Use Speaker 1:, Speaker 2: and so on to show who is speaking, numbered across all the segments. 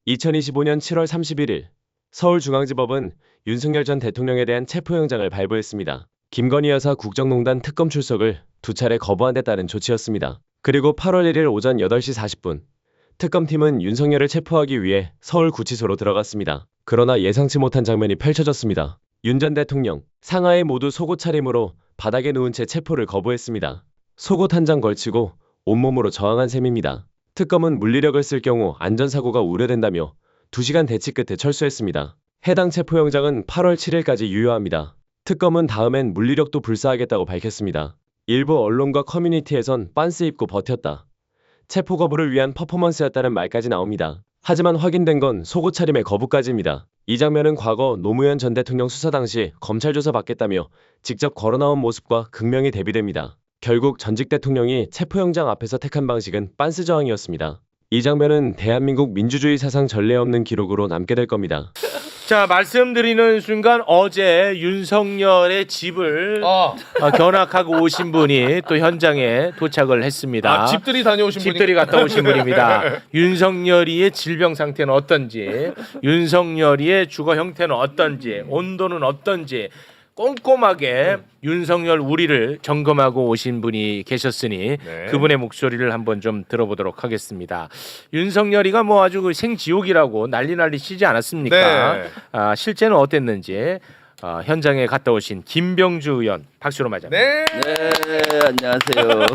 Speaker 1: 2025년 7월 31일 서울중앙지법은 윤석열 전 대통령에 대한 체포영장을 발부했습니다. 김건희 여사 국정농단 특검 출석을 2차례 거부한 데 따른 조치였습니다. 그리고 8월 1일 오전 8시 40분 특검팀은 윤석열을 체포하기 위해 서울구치소로 들어갔습니다. 그러나 예상치 못한 장면이 펼쳐졌습니다. 윤 전 대통령, 상하에 모두 속옷 차림으로 바닥에 누운 채 체포를 거부했습니다. 속옷 한 장 걸치고 온몸으로 저항한 셈입니다. 특검은 물리력을 쓸 경우 안전사고가 우려된다며 2시간 대치 끝에 철수했습니다. 해당 체포영장은 8월 7일까지 유효합니다. 특검은 다음엔 물리력도 불사하겠다고 밝혔습니다. 일부 언론과 커뮤니티에선 빤스 입고 버텼다. 체포 거부를 위한 퍼포먼스였다는 말까지 나옵니다. 하지만 확인된 건 속옷 차림의 거부까지입니다. 이 장면은 과거 노무현 전 대통령 수사 당시 검찰 조사 받겠다며 직접 걸어나온 모습과 극명히 대비됩니다. 결국 전직 대통령이 체포영장 앞에서 택한 방식은 빤스 저항이었습니다. 이 장면은 대한민국 민주주의 사상 전례 없는 기록으로 남게 될 겁니다.
Speaker 2: 자, 말씀드리는 순간 어제 윤석열의 집을 견학하고 오신 분이 또 현장에 도착을 했습니다.
Speaker 3: 집들이 다녀오신 분이
Speaker 2: 집들이 갔다 오신 분입니다. 윤석열이의 질병 상태는 어떤지, 윤석열이의 주거 형태는 어떤지, 온도는 어떤지 꼼꼼하게 윤석열 우리를 점검하고 오신 분이 계셨으니 그분의 목소리를 한번 좀 들어보도록 하겠습니다. 윤석열이가 뭐 아주 그 생지옥이라고 난리 치지 않았습니까?
Speaker 3: 네.
Speaker 2: 실제는 어땠는지 현장에 갔다 오신 김병주 의원 박수로 맞아.
Speaker 3: 네.
Speaker 4: 네, 안녕하세요.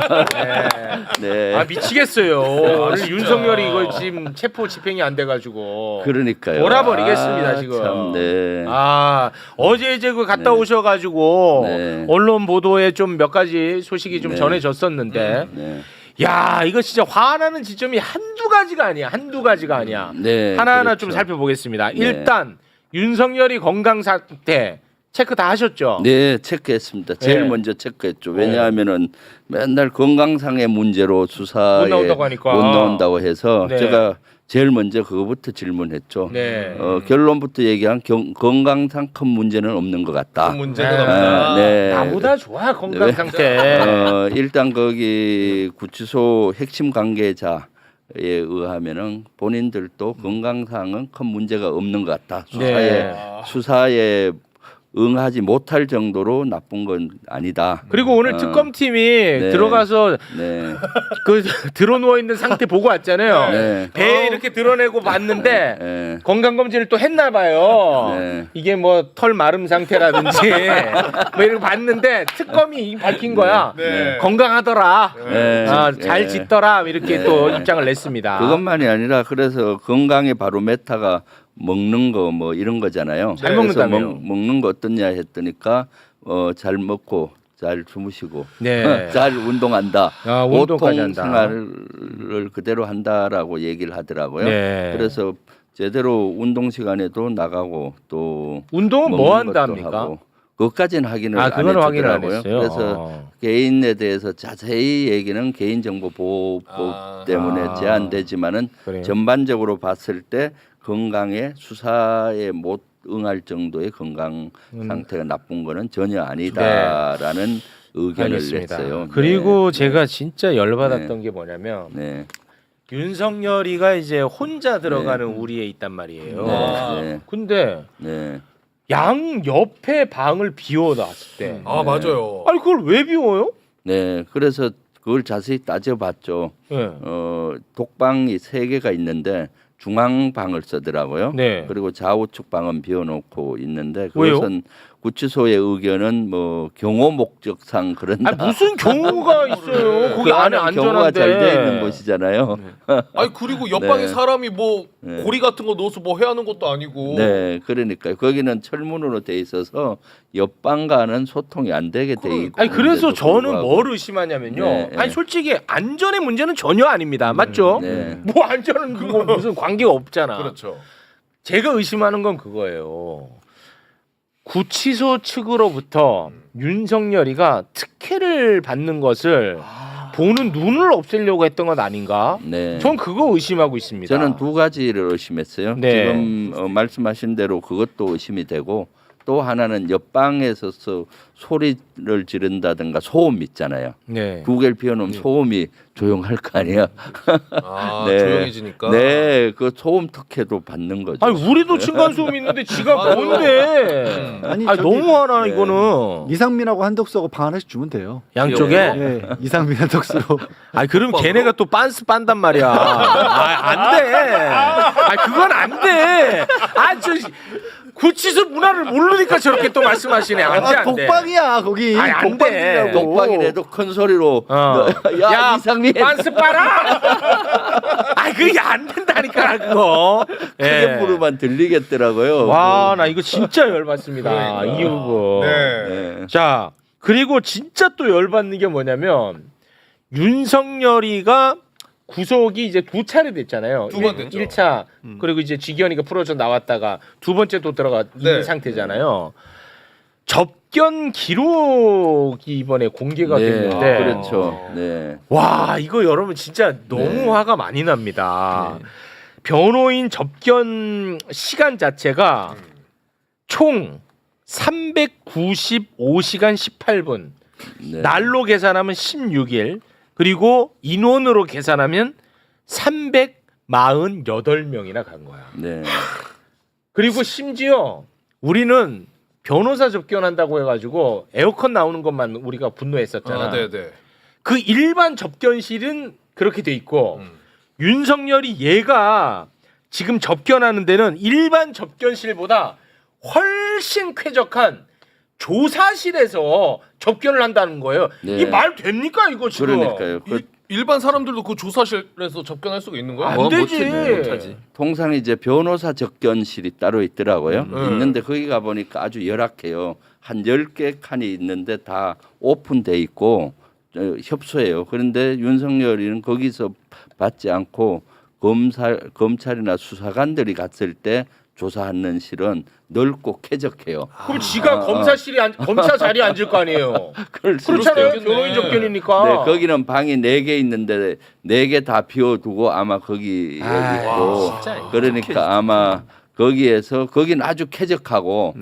Speaker 4: 네.
Speaker 2: 아 미치겠어요. 오늘 윤석열이 이거 지금 체포 집행이 안 돼가지고
Speaker 4: 그러니까요.
Speaker 2: 돌아버리겠습니다 지금.
Speaker 4: 참, 네.
Speaker 2: 어제 이제 그 갔다 오셔가지고
Speaker 4: 네.
Speaker 2: 언론 보도에 좀 몇 가지 소식이 좀
Speaker 4: 네.
Speaker 2: 전해졌었는데.
Speaker 4: 네.
Speaker 2: 야 이거 진짜 화나는 지점이 한두 가지가 아니야.
Speaker 4: 네,
Speaker 2: 하나하나
Speaker 4: 그렇죠.
Speaker 2: 좀 살펴보겠습니다. 일단 윤석열이 건강 상태 체크 다 하셨죠?
Speaker 4: 네, 체크했습니다. 제일
Speaker 2: 네.
Speaker 4: 먼저 체크했죠. 왜냐하면은 맨날 건강상의 문제로 수사에
Speaker 2: 못 나온다고 하니까.
Speaker 4: 못 나온다고 해서
Speaker 2: 네.
Speaker 4: 제가 제일 먼저 그거부터 질문했죠.
Speaker 2: 네.
Speaker 4: 결론부터 얘기한 건강상 큰 문제는 없는 것 같다.
Speaker 3: 그 문제는
Speaker 2: 네.
Speaker 3: 없다.
Speaker 4: 네.
Speaker 2: 나보다 좋아 건강
Speaker 4: 네.
Speaker 2: 상태.
Speaker 4: 일단 거기 구치소 핵심 관계자에 의하면은 본인들도 건강상은 큰 문제가 없는 것 같다.
Speaker 2: 네.
Speaker 4: 수사에 응하지 못할 정도로 나쁜 건 아니다.
Speaker 2: 그리고 오늘 특검팀이
Speaker 4: 네.
Speaker 2: 들어가서
Speaker 4: 네.
Speaker 2: 그 들어 누워 있는 상태 보고 왔잖아요.
Speaker 4: 네.
Speaker 2: 배 이렇게 드러내고 봤는데
Speaker 4: 네.
Speaker 2: 건강 검진을 또 했나 봐요.
Speaker 4: 네.
Speaker 2: 이게 뭐 털 마름 상태라든지 뭐 이렇게 봤는데 특검이 밝힌 거야.
Speaker 3: 네.
Speaker 2: 건강하더라.
Speaker 4: 네.
Speaker 2: 잘
Speaker 4: 네.
Speaker 2: 짓더라 이렇게
Speaker 4: 네.
Speaker 2: 또 입장을 냈습니다.
Speaker 4: 그것만이 아니라 그래서 건강의 바로메타가 먹는 거 뭐 이런 거잖아요.
Speaker 2: 잘
Speaker 4: 그래서
Speaker 2: 먹는다며요.
Speaker 4: 먹는 거 어떠냐 했더니까 잘 먹고 잘 주무시고
Speaker 2: 네.
Speaker 4: 잘 운동한다.
Speaker 2: 운동까지
Speaker 4: 보통
Speaker 2: 한다.
Speaker 4: 생활을 그대로 한다라고 얘기를 하더라고요.
Speaker 2: 네.
Speaker 4: 그래서 제대로 운동 시간에도 나가고 또
Speaker 2: 운동은 뭐
Speaker 4: 먹는 것도
Speaker 2: 한답니까?
Speaker 4: 하고 그것까지는 확인을 안
Speaker 2: 그거는 확인을 안
Speaker 4: 해주더라고요.
Speaker 2: 했어요.
Speaker 4: 그래서 개인에 대해서 자세히 얘기는 개인정보보호법 때문에 제한되지만은
Speaker 2: 그래요.
Speaker 4: 전반적으로 봤을 때 건강에 수사에 못 응할 정도의 건강 상태가 나쁜 거는 전혀 아니다라는 의견을
Speaker 2: 알겠습니다.
Speaker 4: 냈어요.
Speaker 2: 그리고 제가 진짜 열받았던 게 뭐냐면
Speaker 4: 네.
Speaker 2: 윤석열이가 이제 혼자 들어가는 우리에 있단 말이에요.
Speaker 4: 네.
Speaker 2: 근데
Speaker 4: 네.
Speaker 2: 양 옆에 방을 비워놨을 때,
Speaker 3: 아 맞아요.
Speaker 2: 아니 그걸 왜 비워요?
Speaker 4: 네. 그래서 그걸 자세히 따져봤죠.
Speaker 2: 네.
Speaker 4: 독방이 3개가 있는데 중앙방을 쓰더라고요.
Speaker 2: 네.
Speaker 4: 그리고 좌우측 방은 비워놓고 있는데
Speaker 2: 왜요?
Speaker 4: 그것은 구치소의 의견은 뭐 경호 목적상 그런다.
Speaker 2: 무슨 경우가 있어요? 거기
Speaker 4: 그
Speaker 2: 안에
Speaker 4: 안에 경호가
Speaker 2: 안전한데.
Speaker 4: 잘 돼 있는 곳이잖아요.
Speaker 3: 아니 그리고 옆방에
Speaker 4: 네.
Speaker 3: 사람이 뭐
Speaker 4: 네.
Speaker 3: 고리 같은 거 넣어서 뭐 해야 하는 것도 아니고.
Speaker 4: 네, 그러니까 거기는 철문으로 돼 있어서 옆방과는 소통이 안 되게 돼 있고.
Speaker 2: 아니 그래서
Speaker 4: 그런데도
Speaker 2: 저는
Speaker 4: 불구하고.
Speaker 2: 뭘 의심하냐면요.
Speaker 4: 네, 네.
Speaker 2: 아니 솔직히 안전의 문제는 전혀 아닙니다. 맞죠?
Speaker 4: 네.
Speaker 2: 뭐 안전은 그거 무슨 관계가 없잖아.
Speaker 3: 그렇죠.
Speaker 2: 제가 의심하는 건 그거예요. 구치소 측으로부터 윤석열이가 특혜를 받는 것을 보는 눈을 없애려고 했던 건 아닌가?
Speaker 4: 네.
Speaker 2: 전 그거 의심하고 있습니다.
Speaker 4: 저는 2가지를 의심했어요.
Speaker 2: 네.
Speaker 4: 지금 말씀하신 대로 그것도 의심이 되고 또 하나는 옆방에서 소리를 지른다든가 소음 있잖아요.
Speaker 2: 네.
Speaker 4: 구개를 피워놓으면 소음이 조용할 거 아니야.
Speaker 3: 아,
Speaker 4: 네.
Speaker 3: 조용해지니까.
Speaker 4: 네, 그 소음 특혜도 받는 거죠.
Speaker 2: 아니 우리도 층간 소음 있는데 지가 뭔데?
Speaker 5: 아니,
Speaker 2: 아니
Speaker 5: 저기-
Speaker 2: 너무하나
Speaker 4: 네.
Speaker 2: 이거는
Speaker 5: 이상민하고 한덕수하고 방 하나씩 주면 돼요.
Speaker 2: 양쪽에.
Speaker 5: 예, 이상민 한덕수로.
Speaker 2: 아니 그럼 걔네가 또 빤스 빤단 말이야. 안 돼. 아 그건 안 돼. 저 구치소 문화를 모르니까 저렇게 또 말씀하시네. 안 돼, 안 돼.
Speaker 5: 독방이야 거기.
Speaker 2: 아니, 안 돼.
Speaker 5: 독방이라고.
Speaker 4: 독방이라도 큰 소리로
Speaker 2: 야,
Speaker 4: 이상민
Speaker 2: 빤스 빨아. 아 그게 안 된다니까 그거.
Speaker 4: 크게 부르면 들리겠더라고요.
Speaker 2: 와, 나 이거 진짜 열받습니다. 이 부분.
Speaker 3: 네.
Speaker 4: 네.
Speaker 2: 자, 그리고 진짜 또 열받는 게 뭐냐면 윤석열이가 구속이 이제 두 차례 됐잖아요.
Speaker 3: 두번 됐죠.
Speaker 2: 1차 그리고 이제 지기현이가 풀어져 나왔다가 두 번째 또 들어가 있는
Speaker 3: 네.
Speaker 2: 상태잖아요. 접견 기록이 이번에 공개가
Speaker 4: 네,
Speaker 2: 됐는데
Speaker 4: 그렇죠. 네.
Speaker 2: 와 이거 여러분 진짜 너무
Speaker 4: 네.
Speaker 2: 화가 많이 납니다. 변호인 접견 시간 자체가 총 395시간 18분.
Speaker 4: 네.
Speaker 2: 날로 계산하면 16일. 그리고 인원으로 계산하면 348명이나 간 거야.
Speaker 4: 네.
Speaker 2: 그리고 심지어 우리는 변호사 접견한다고 해가지고 에어컨 나오는 것만 우리가 분노했었잖아.
Speaker 3: 아, 네, 네.
Speaker 2: 그 일반 접견실은 그렇게 돼 있고 윤석열이 얘가 지금 접견하는 데는 일반 접견실보다 훨씬 쾌적한 조사실에서 접견을 한다는 거예요.
Speaker 4: 네.
Speaker 2: 이 말 됩니까 이거 지금?
Speaker 4: 그러니까요.
Speaker 3: 일반 사람들도 그 조사실에서 접견할 수가 있는 거예요?
Speaker 2: 안 되지.
Speaker 3: 못하지.
Speaker 4: 통상 이제 변호사 접견실이 따로 있더라고요.
Speaker 2: 음.
Speaker 4: 있는데 거기 가 보니까 아주 열악해요. 한 10개 칸이 있는데 다 오픈돼 있고 협소해요. 그런데 윤석열이는 거기서 받지 않고 검찰이나 수사관들이 갔을 때 조사하는 실은 넓고 쾌적해요.
Speaker 2: 그럼 지가 검사 자리에 앉을 거 아니에요. 그렇잖아요.
Speaker 3: 있겠네.
Speaker 2: 변호인 접견이니까.
Speaker 4: 네, 거기는 방이 4개 있는데 4개 다 비워두고 아마 거기 있고
Speaker 2: 진짜.
Speaker 4: 그러니까 아마 거기는 아주 쾌적하고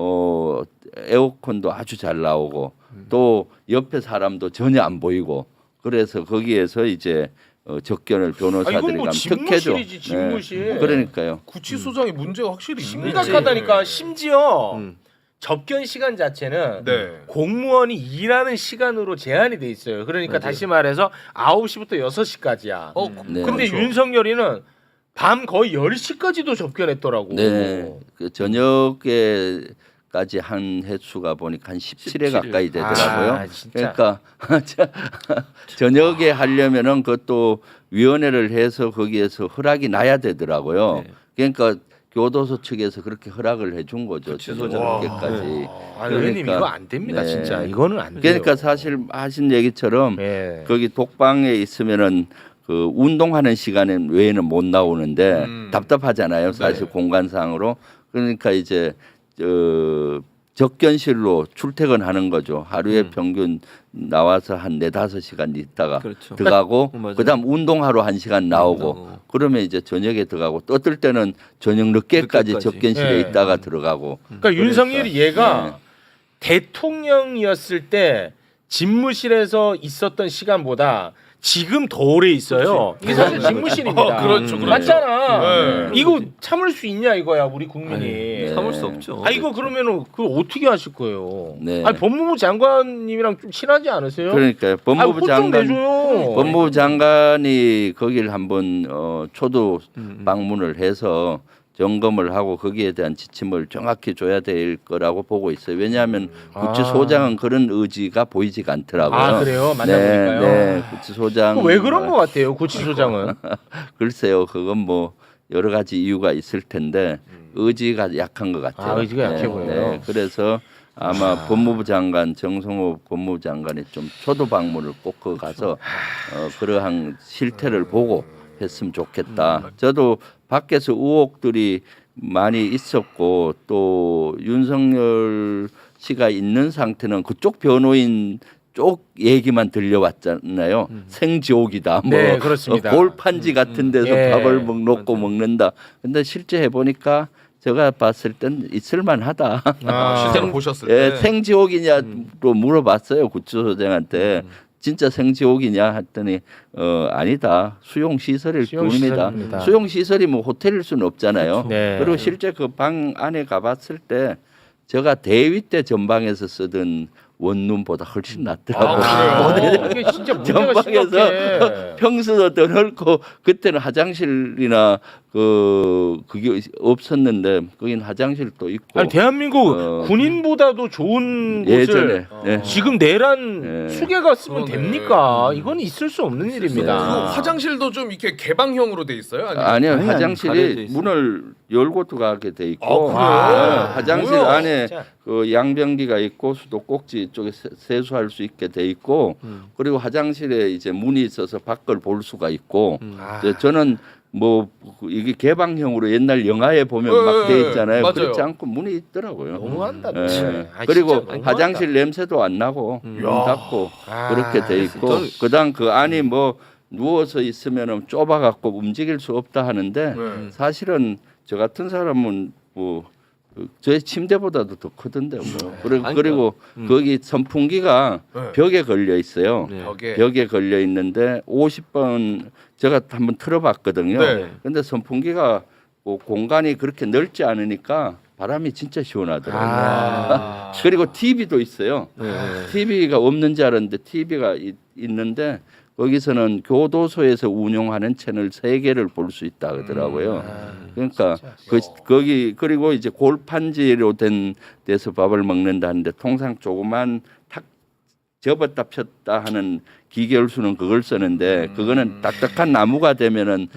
Speaker 4: 에어컨도 아주 잘 나오고 또 옆에 사람도 전혀 안 보이고 그래서 거기에서 이제 접견을 변호사들이
Speaker 2: 이건 뭐
Speaker 4: 가면 특혜죠.
Speaker 2: 집무실이지, 집무실.
Speaker 4: 네, 그러니까요.
Speaker 3: 구치소장이 문제가 확실히 있네.
Speaker 2: 심각하다니까. 심지어 접견 시간 자체는
Speaker 3: 네.
Speaker 2: 공무원이 일하는 시간으로 제한이 돼 있어요. 그러니까 다시 말해서 9시부터 6시까지야.
Speaker 4: 네.
Speaker 2: 근데
Speaker 3: 그렇죠.
Speaker 2: 윤석열이는 밤 거의 10시까지도 접견했더라고.
Speaker 4: 네, 그 저녁에까지 한 횟수가 보니까 한 17회 가까이 되더라고요.
Speaker 2: 아, 진짜.
Speaker 4: 그러니까 저녁에 하려면은 그것도 위원회를 해서 거기에서 허락이 나야 되더라고요. 그러니까 교도소 측에서 그렇게 허락을 해준 거죠. 저녁에까지.
Speaker 2: 아, 의원님 이거 안 됩니다,
Speaker 4: 네.
Speaker 2: 진짜. 이거는 안 돼요.
Speaker 4: 그러니까 사실 하신 얘기처럼
Speaker 2: 예.
Speaker 4: 거기 독방에 있으면은 그 운동하는 시간에 외에는 못 나오는데 답답하잖아요. 사실 공간상으로. 그러니까 이제 접견실로 출퇴근하는 거죠. 하루에 평균 나와서 한 4-5시간 있다가 들어가고 그다음 운동하러 1시간 나오고 그러면 이제 저녁에 들어가고 또 어떨 때는 저녁 늦게까지 접견실에
Speaker 2: 예.
Speaker 4: 있다가 들어가고.
Speaker 2: 그러니까 윤석열이 얘가
Speaker 4: 네.
Speaker 2: 대통령이었을 때 집무실에서 있었던 시간보다 지금 더 오래 있어요. 이게 사실 집무실입니다.
Speaker 3: 그렇죠, 그렇죠.
Speaker 2: 맞잖아.
Speaker 3: 네.
Speaker 2: 이거 참을 수 있냐 이거야 우리 국민이.
Speaker 4: 네.
Speaker 6: 참을 수 없죠.
Speaker 2: 아 이거 그러면은 그거 어떻게 하실 거예요?
Speaker 4: 네.
Speaker 2: 아니 법무부 장관님이랑 좀 친하지 않으세요?
Speaker 4: 그러니까요. 법무부
Speaker 2: 좀
Speaker 4: 장관
Speaker 2: 내줘요.
Speaker 4: 법무부 장관이 거기를 한번 초도 방문을 해서 점검을 하고 거기에 대한 지침을 정확히 줘야 될 거라고 보고 있어요. 왜냐하면 구치소장은 그런 의지가 보이지가 않더라고요.
Speaker 2: 아 그래요? 만나보니까요.
Speaker 4: 네, 구치소장.
Speaker 2: 왜 그런 것 같아요, 구치소장은?
Speaker 4: 글쎄요, 그건 뭐 여러 가지 이유가 있을 텐데 의지가 약한 것 같아요.
Speaker 2: 아, 의지가 약해 보여요.
Speaker 4: 그래서 아마 법무부 장관 정성호 법무부 장관이 좀 초도 방문을 꼭 그 가서 그러한 실태를 보고 했으면 좋겠다. 저도 밖에서 의혹들이 많이 있었고 또 윤석열 씨가 있는 상태는 그쪽 변호인 쪽 얘기만 들려왔잖아요. 생지옥이다. 뭐
Speaker 2: 네, 그렇습니다.
Speaker 4: 골판지 같은 데서
Speaker 2: 예.
Speaker 4: 밥을 놓고 먹는다. 근데 실제 해보니까 제가 봤을 땐 있을만하다.
Speaker 3: 실제로 보셨을
Speaker 4: 예,
Speaker 3: 때.
Speaker 4: 생지옥이냐로 물어봤어요 구치소장한테. 진짜 생지옥이냐 했더니 아니다. 수용 시설일
Speaker 2: 수용시설입니다.
Speaker 4: 뿐입니다. 수용 시설이 뭐 호텔일 수는 없잖아요.
Speaker 2: 네.
Speaker 4: 그리고 실제 그 방 안에 가봤을 때 제가 대위 때 전방에서 쓰던 원룸보다 훨씬 낫더라고요.
Speaker 3: 그래요?
Speaker 2: 이게 진짜 문제가
Speaker 4: 전방에서
Speaker 2: 심각해.
Speaker 4: 평수도 더 넓고 그때는 화장실이나 그게 없었는데 거긴 화장실도 있고
Speaker 2: 아니 대한민국
Speaker 4: 어.
Speaker 2: 군인보다도 좋은
Speaker 4: 예전에
Speaker 2: 곳을
Speaker 4: 네.
Speaker 2: 지금 내란
Speaker 4: 네.
Speaker 2: 수개가 쓰면
Speaker 3: 그러네.
Speaker 2: 됩니까? 이건 있을 수 없는
Speaker 3: 그
Speaker 2: 일입니다.
Speaker 3: 화장실도 좀 이렇게 개방형으로 돼 있어요? 아니면
Speaker 4: 아니요
Speaker 5: 아니, 가려져
Speaker 4: 화장실이
Speaker 5: 있어요.
Speaker 4: 문을 열고 들어가게 돼 있고
Speaker 3: 아, 그래요?
Speaker 4: 네, 화장실
Speaker 3: 뭐야?
Speaker 4: 안에
Speaker 2: 진짜.
Speaker 4: 그 양변기가 있고 수도꼭지 쪽에 세수할 수 있게 돼 있고 그리고 화장실에 이제 문이 있어서 밖을 볼 수가 있고
Speaker 2: 아.
Speaker 4: 이제 저는 뭐 이게 개방형으로 옛날 영화에 보면 막 돼 있잖아요.
Speaker 3: 맞아요.
Speaker 4: 그렇지 않고 문이 있더라고요.
Speaker 2: 너무한다.
Speaker 4: 예.
Speaker 2: 진짜. 아,
Speaker 4: 그리고
Speaker 2: 진짜 너무하다.
Speaker 4: 화장실 냄새도 안 나고 문 닫고
Speaker 2: 아,
Speaker 4: 그렇게 돼 있고 그다음 그 안이 뭐 누워서 있으면은 좁아갖고 움직일 수 없다 하는데
Speaker 3: 네.
Speaker 4: 사실은 저 같은 사람은 뭐 저의 침대보다도 더 크던데 뭐 그리고 거기 선풍기가
Speaker 3: 네.
Speaker 4: 벽에 걸려 있어요.
Speaker 3: 벽에.
Speaker 4: 벽에 걸려 있는데 50번 제가 한번 틀어봤거든요.
Speaker 3: 네.
Speaker 4: 근데 선풍기가 뭐 공간이 그렇게 넓지 않으니까 바람이 진짜 시원하더라고요.
Speaker 2: 아.
Speaker 4: 그리고 TV도 있어요. TV가 없는 줄 알았는데 TV가 있는데 거기서는 교도소에서 운영하는 채널 3개를 볼 수 있다 그러더라고요. 그러니까 거기 그리고 이제 골판지로 된 데서 밥을 먹는다는데 통상 조그만 탁 접었다 폈다 하는 기계열수는 그걸 쓰는데 그거는 딱딱한 나무가 되면은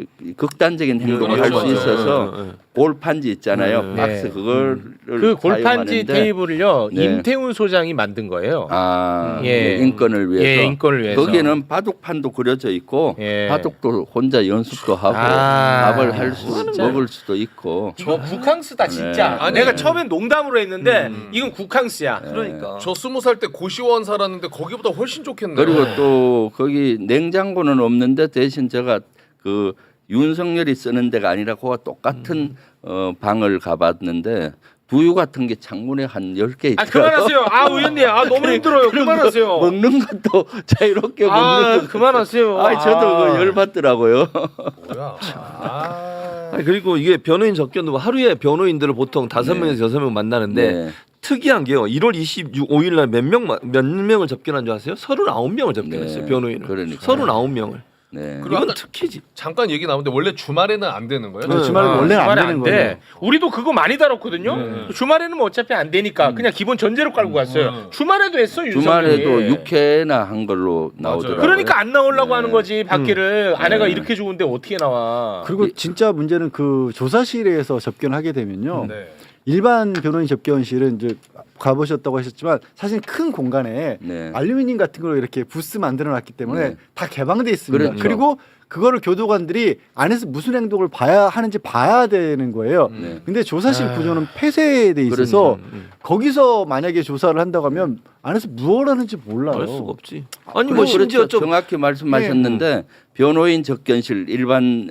Speaker 4: 극단적인 행동을 할 수
Speaker 3: 맞아요.
Speaker 4: 있어서 골판지 있잖아요. 박스
Speaker 2: 네.
Speaker 4: 그거를
Speaker 2: 그 골판지
Speaker 4: 사용하는데
Speaker 2: 테이블을요
Speaker 4: 네.
Speaker 2: 임태훈 소장이 만든 거예요.
Speaker 4: 예. 인권을 위해서.
Speaker 2: 예, 인권을 위해서.
Speaker 4: 거기는 바둑판도 그려져 있고
Speaker 2: 예.
Speaker 4: 바둑도 혼자 연습도 하고
Speaker 2: 아,
Speaker 4: 밥을 할 수
Speaker 2: 진짜.
Speaker 4: 먹을 수도 있고.
Speaker 2: 저 국항스다 진짜.
Speaker 3: 네.
Speaker 2: 내가
Speaker 3: 아니.
Speaker 2: 처음엔 농담으로 했는데 이건 국항스야.
Speaker 5: 그러니까.
Speaker 3: 저 20살 때 고시원 살았는데 거기보다 훨씬 좋겠네요.
Speaker 4: 그리고 또 거기 냉장고는 없는데 대신 제가 그 윤석열이 쓰는 데가 아니라 그와 똑같은 방을 가봤는데 두유 같은 게 창문에 한 10개
Speaker 2: 아
Speaker 4: 있더라고요.
Speaker 2: 그만하세요. 아 의원님, 아 너무 힘들어요. 그만하세요.
Speaker 4: 먹는 것도 자유롭게
Speaker 2: 아
Speaker 4: 먹는 것.
Speaker 2: 그만하세요.
Speaker 4: 아, 저도 그 열받더라고요.
Speaker 3: 뭐야?
Speaker 6: 아니, 그리고 이게 변호인 접견도 하루에 변호인들을 보통 5명에서 6명 만나는데
Speaker 4: 네.
Speaker 6: 특이한 게요. 1월 25일 날 몇 명을 접견한 줄 아세요? 39명을 접견했어요.
Speaker 4: 네.
Speaker 6: 변호인을.
Speaker 4: 그러니까.
Speaker 6: 39명을.
Speaker 4: 네.
Speaker 6: 이건 특히지.
Speaker 3: 잠깐 얘기 나오는데 원래 주말에는 안 되는 거예요?
Speaker 5: 네, 주말에 원래는 안
Speaker 2: 주말에
Speaker 5: 되는
Speaker 2: 돼.
Speaker 5: 거예요.
Speaker 2: 우리도 그거 많이 다뤘거든요. 주말에는 뭐 어차피 안 되니까 그냥 기본 전제로 깔고 갔어요. 주말에도 했어 윤석열이.
Speaker 4: 주말에도 6회나 한 걸로 나오더라고요.
Speaker 2: 그러니까 안 나오려고
Speaker 4: 네.
Speaker 2: 하는 거지 밖에를 아내가
Speaker 4: 네.
Speaker 2: 이렇게 좋은데 어떻게 나와?
Speaker 5: 그리고 진짜 문제는 그 조사실에서 접견하게 되면요.
Speaker 3: 네.
Speaker 5: 일반 변호인 접견실은 이제 가보셨다고 하셨지만 사실 큰 공간에
Speaker 4: 네.
Speaker 5: 알루미늄 같은 걸로 이렇게 부스 만들어 놨기 때문에
Speaker 4: 네.
Speaker 5: 다 개방돼 있습니다.
Speaker 4: 그렇죠.
Speaker 5: 그리고 그거를 교도관들이 안에서 무슨 행동을 봐야 하는지 봐야 되는 거예요.
Speaker 4: 네.
Speaker 5: 근데 조사실 구조는 폐쇄돼 있어서 거기서 만약에 조사를 한다고 하면 안에서 무엇을 하는지 몰라요.
Speaker 6: 알 수가 없지. 아니
Speaker 4: 그리고
Speaker 6: 뭐 심지어
Speaker 4: 그렇죠.
Speaker 6: 좀
Speaker 4: 정확히 말씀하셨는데 변호인 접견실 일반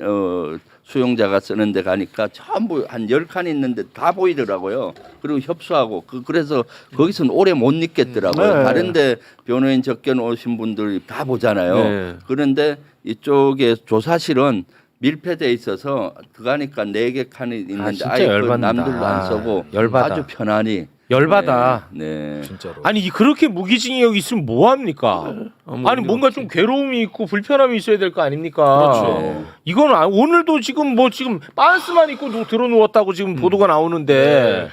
Speaker 4: 수용자가 쓰는 데 가니까 전부 한 10칸 있는데 다 보이더라고요. 그리고 협소하고 그래서 거기서는 오래 못 있겠더라고요.
Speaker 5: 네.
Speaker 4: 다른데 변호인 접견 오신 분들이 다 보잖아요.
Speaker 6: 네.
Speaker 4: 그런데 이쪽에 조사실은 밀폐돼 있어서 들어가니까 4개 칸이 있는데
Speaker 2: 진짜
Speaker 4: 아예 그
Speaker 2: 열받는다.
Speaker 4: 남들도 안 쓰고
Speaker 2: 열받아.
Speaker 4: 아주 편안히.
Speaker 2: 열받아.
Speaker 4: 네.
Speaker 3: 진짜로.
Speaker 2: 아니 그렇게 무기징역이 있으면 뭐 합니까? 아니 뭔가 좀 괴로움이 있고 불편함이 있어야 될 거 아닙니까?
Speaker 3: 그렇죠.
Speaker 2: 이건 오늘도 지금 빤스만 입고 들어 누웠다고 지금 보도가 나오는데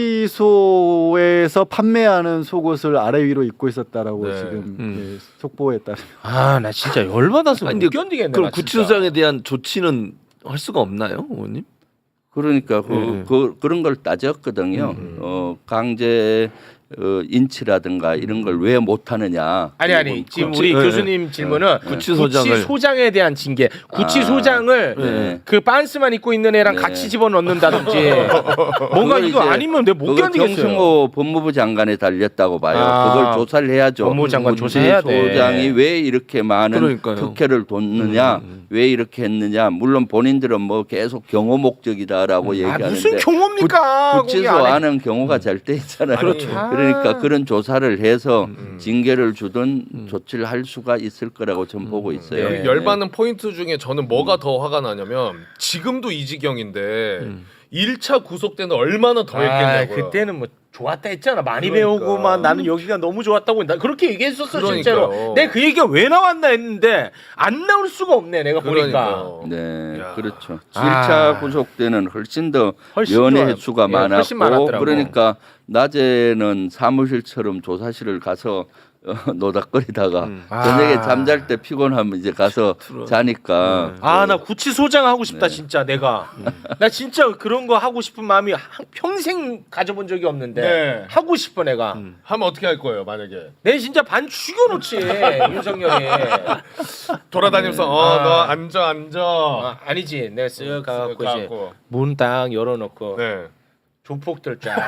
Speaker 5: 구치소에서 판매하는 속옷을 아래 위로 입고 있었다라고
Speaker 3: 네.
Speaker 5: 지금 예, 속보에 따르면
Speaker 2: 아 나 진짜 열받아서
Speaker 6: 아니,
Speaker 2: 못 견디겠네.
Speaker 6: 그럼
Speaker 2: 나 진짜.
Speaker 6: 구치소장에 대한 조치는 할 수가 없나요, 의원님?
Speaker 4: 그러니까 그런 걸 따졌거든요. 강제 인치라든가 이런 걸 왜 못하느냐.
Speaker 2: 아니 지금 우리
Speaker 6: 네.
Speaker 2: 교수님 질문은
Speaker 6: 구치소장을
Speaker 2: 구치소장에 대한 징계. 구치소장을
Speaker 4: 네.
Speaker 2: 그 빤스만 입고 있는 애랑
Speaker 4: 네.
Speaker 2: 같이 집어넣는다든지 뭔가
Speaker 4: 그거
Speaker 2: 이거
Speaker 4: 이제
Speaker 2: 아니면 내가 못
Speaker 4: 그거
Speaker 2: 견디겠어요.
Speaker 4: 정승호 법무부 장관에 달렸다고 봐요.
Speaker 2: 아,
Speaker 4: 그걸 조사를 해야죠.
Speaker 2: 법무부 장관 조사해야 돼.
Speaker 4: 소장이 왜 이렇게 많은
Speaker 6: 그러니까요.
Speaker 4: 특혜를 뒀느냐, 왜 이렇게 했느냐. 물론 본인들은 뭐 계속 경호 목적이다라고 얘기하는데
Speaker 2: 무슨 경호입니까? 거기
Speaker 4: 구치소
Speaker 2: 안에.
Speaker 4: 안은 경호가 잘 돼 있잖아요.
Speaker 2: 그렇죠.
Speaker 4: 그러니까 그런 조사를 해서 징계를 주든 조치를 할 수가 있을 거라고 저는 보고 있어요.
Speaker 2: 네.
Speaker 3: 여기 열받는 포인트 중에 저는 뭐가 더 화가 나냐면 지금도 이 지경인데 1차 구속 때는 얼마나 더 했겠냐고요.
Speaker 2: 그때는 뭐 좋았다 했잖아. 많이
Speaker 3: 그러니까.
Speaker 2: 배우고만 나는 여기가 너무 좋았다고 나 그렇게 얘기했었어.
Speaker 3: 그러니까요.
Speaker 2: 실제로. 내가 그 얘기가 왜 나왔나 했는데 안 나올 수가 없네. 내가 보니까.
Speaker 3: 그러니까요.
Speaker 4: 네,
Speaker 3: 야.
Speaker 4: 그렇죠.
Speaker 2: 아.
Speaker 4: 1차 구속 때는 훨씬 더
Speaker 2: 훨씬
Speaker 4: 연애
Speaker 2: 좋아요.
Speaker 4: 횟수가
Speaker 2: 예, 훨씬
Speaker 4: 많았고
Speaker 2: 많았더라고.
Speaker 4: 그러니까 낮에는 사무실처럼 조사실을 가서 노닥거리다가 저녁에
Speaker 2: 아.
Speaker 4: 잠잘 때 피곤하면 이제 가서 자니까
Speaker 2: 아, 나 구치소장 하고 싶다
Speaker 4: 네.
Speaker 2: 진짜 내가. 나 진짜 그런 거 하고 싶은 마음이 평생 가져본 적이 없는데
Speaker 3: 네.
Speaker 2: 하고 싶어 내가.
Speaker 3: 하면 어떻게 할 거예요, 만약에?
Speaker 2: 내 진짜 반 죽여놓지 윤석열이.
Speaker 3: 돌아다니면서 너 앉아.
Speaker 2: 아니지. 내가 쓱 가갖고 이제
Speaker 3: 가갖고.
Speaker 2: 문 딱 열어놓고
Speaker 3: 네.
Speaker 2: 조폭들 쫙.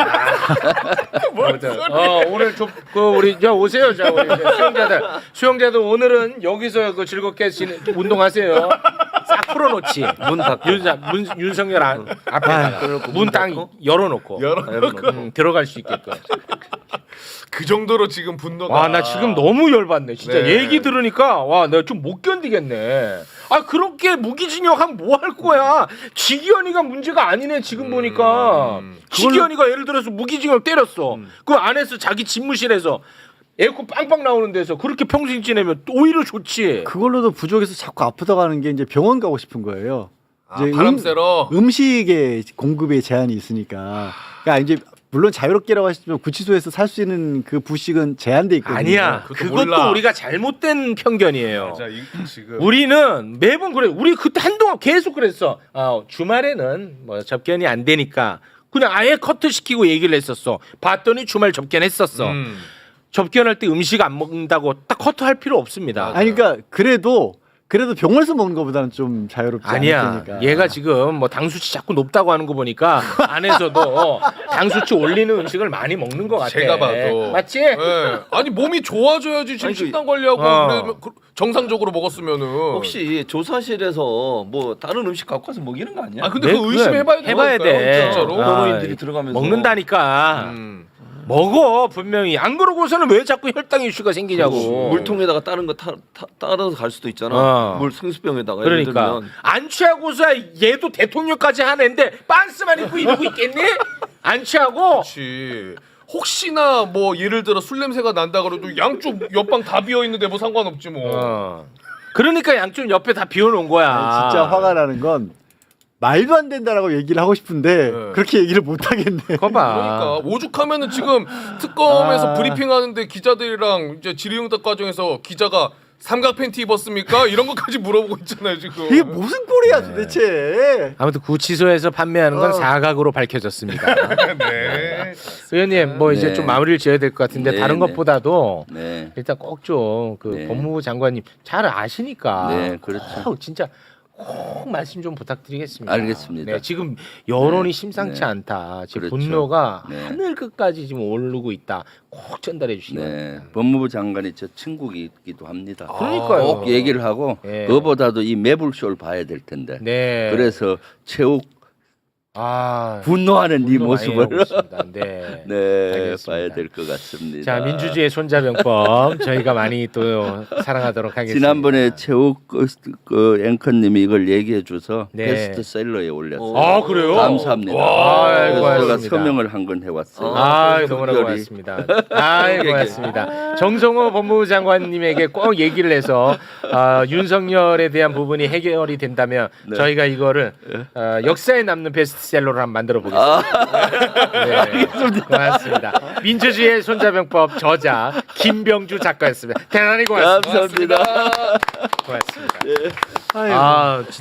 Speaker 2: 오늘 우리 저 오세요, 자 우리 수영자들 오늘은 여기서 그 즐겁게 운동하세요. 싹 풀어놓지.
Speaker 6: 문 닫고
Speaker 2: 윤석열 앞에다가 문 딱 열어놓고 들어갈 수 있게끔.
Speaker 3: 그 정도로 지금 분노가.
Speaker 2: 와, 나 지금 너무 열받네. 진짜
Speaker 3: 네.
Speaker 2: 얘기 들으니까 와, 내가 좀 못 견디겠네. 아, 그렇게 무기징역하면 뭐 할 거야? 지기현이가 문제가 아니네 지금 보니까. 지기현이가 예를 들어서 무기징역 때렸어. 그 안에서 자기 집무실에서 에어컨 빵빵 나오는 데서 그렇게 평생 지내면 오히려 좋지.
Speaker 5: 그걸로도 부족해서 자꾸 아프다고 하는 게 이제 병원 가고 싶은 거예요. 이제
Speaker 3: 바람 쐬러.
Speaker 5: 음식의 공급에 제한이 있으니까. 그러니까 이제 물론 자유롭게라고 하시지만 구치소에서 살 수 있는 그 부식은 제한돼 있거든요.
Speaker 2: 아니야.
Speaker 3: 그것도
Speaker 2: 그것도
Speaker 3: 몰라.
Speaker 2: 우리가 잘못된 편견이에요.
Speaker 3: 자, 지금
Speaker 2: 우리는 매번 그래. 우리 그때 한동안 계속 그랬어. 주말에는 뭐 접견이 안 되니까 그냥 아예 커트 시키고 얘기를 했었어. 봤더니 주말 접견했었어. 접견할 때 음식 안 먹는다고 딱 커트할 필요 없습니다.
Speaker 5: 아니 그러니까 그래도 병원에서 먹는 것보다는 좀 자유롭지
Speaker 2: 아니야.
Speaker 5: 않으니까.
Speaker 2: 얘가 지금 뭐 당수치 자꾸 높다고 하는 거 보니까 안에서도 당수치 올리는 음식을 많이 먹는 것 같아.
Speaker 3: 제가 봐도.
Speaker 2: 맞지?
Speaker 3: 네. 아니 몸이 좋아져야지 지금
Speaker 6: 아니,
Speaker 3: 식단 관리하고
Speaker 2: 어.
Speaker 3: 그러면 정상적으로 먹었으면은.
Speaker 6: 혹시 조사실에서 뭐 다른 음식 갖고 와서 먹이는 거 아니야?
Speaker 3: 아 근데
Speaker 2: 네,
Speaker 3: 그 의심해봐야 돼.
Speaker 2: 해봐야 돼.
Speaker 3: 진짜로.
Speaker 6: 변호인들이 들어가면서
Speaker 2: 먹는다니까. 먹어 분명히. 안 그러고서는 왜 자꾸 혈당 이슈가 생기냐고.
Speaker 6: 물통에다가 다른 거 따라서 갈 수도 있잖아.
Speaker 2: 어.
Speaker 6: 물 생수병에다가 예를
Speaker 2: 그러니까
Speaker 6: 들면.
Speaker 2: 안 취하고서 얘도 대통령까지 하는데 빤스만 입고 이러고 있겠니? 안 취하고.
Speaker 3: 그렇지. 혹시나 뭐 예를 들어 술 냄새가 난다 그래도 양쪽 옆방 다 비어 있는데 뭐 상관없지 뭐.
Speaker 2: 그러니까 양쪽 옆에 다 비워놓은 거야.
Speaker 5: 아니, 진짜 화가 나는 건 말도 안 된다라고 얘기를 하고 싶은데
Speaker 3: 네.
Speaker 5: 그렇게 얘기를 못 하겠네.
Speaker 2: 그거 봐.
Speaker 3: 그러니까 오죽하면은 지금 특검에서 브리핑하는데 기자들이랑 이제 질의응답 과정에서 기자가 삼각 팬티 입었습니까? 이런 것까지 물어보고 있잖아요 지금.
Speaker 5: 이게 무슨 꼴이야 도대체.
Speaker 2: 아무튼 구치소에서 판매하는 건 사각으로 밝혀졌습니다.
Speaker 3: 네.
Speaker 2: 의원님 뭐 이제
Speaker 4: 네.
Speaker 2: 좀 마무리를 지어야 될 것 같은데
Speaker 4: 네,
Speaker 2: 다른
Speaker 4: 네.
Speaker 2: 것보다도
Speaker 4: 네,
Speaker 2: 일단 꼭 좀 그
Speaker 4: 네.
Speaker 2: 법무부 장관님 잘 아시니까
Speaker 4: 네, 그렇죠.
Speaker 2: 꼭 진짜 꼭 말씀 좀 부탁드리겠습니다.
Speaker 4: 알겠습니다.
Speaker 2: 네, 지금 여론이
Speaker 4: 네,
Speaker 2: 심상치
Speaker 4: 네.
Speaker 2: 않다. 지금
Speaker 4: 그렇죠.
Speaker 2: 분노가
Speaker 4: 네.
Speaker 2: 하늘 끝까지 지금 오르고 있다. 꼭 전달해 주시기 바랍니다.
Speaker 4: 네. 법무부 장관이 저 친구이기도 합니다.
Speaker 2: 그러니까요.
Speaker 4: 꼭 얘기를 하고
Speaker 2: 네.
Speaker 4: 그거보다도 이 매불쇼를 봐야 될 텐데.
Speaker 2: 네.
Speaker 4: 그래서 최욱 분노하는 이
Speaker 2: 분노 많이
Speaker 4: 모습을
Speaker 2: 하고 있습니다. 네.
Speaker 4: 네,
Speaker 2: 알겠습니다.
Speaker 4: 봐야 될 것 같습니다.
Speaker 2: 자, 민주주의 손자병법 저희가 많이 또 사랑하도록 하겠습니다.
Speaker 4: 지난번에 최욱 그 앵커님이 이걸 얘기해 줘서
Speaker 2: 네.
Speaker 4: 베스트셀러에 올렸어요.
Speaker 2: 아, 그래요?
Speaker 4: 감사합니다.
Speaker 2: 아이고,
Speaker 4: 그래서 제가
Speaker 2: 고맙습니다.
Speaker 4: 서명을 한 건 해왔어요.
Speaker 2: 너무나
Speaker 4: 특별히.
Speaker 2: 고맙습니다. 고맙습니다. 정성호 법무부 장관님에게 꼭 얘기를 해서 윤석열에 대한 부분이 해결이 된다면
Speaker 4: 네.
Speaker 2: 저희가 이거를 역사에 남는 베스트셀러로 한번 만들어 보겠습니다. 네, 고맙습니다. 민주주의의 손자병법 저자 김병주 작가였습니다. 대단히 고맙습니다.
Speaker 4: 감사합니다.
Speaker 2: 고맙습니다.
Speaker 5: 아이고.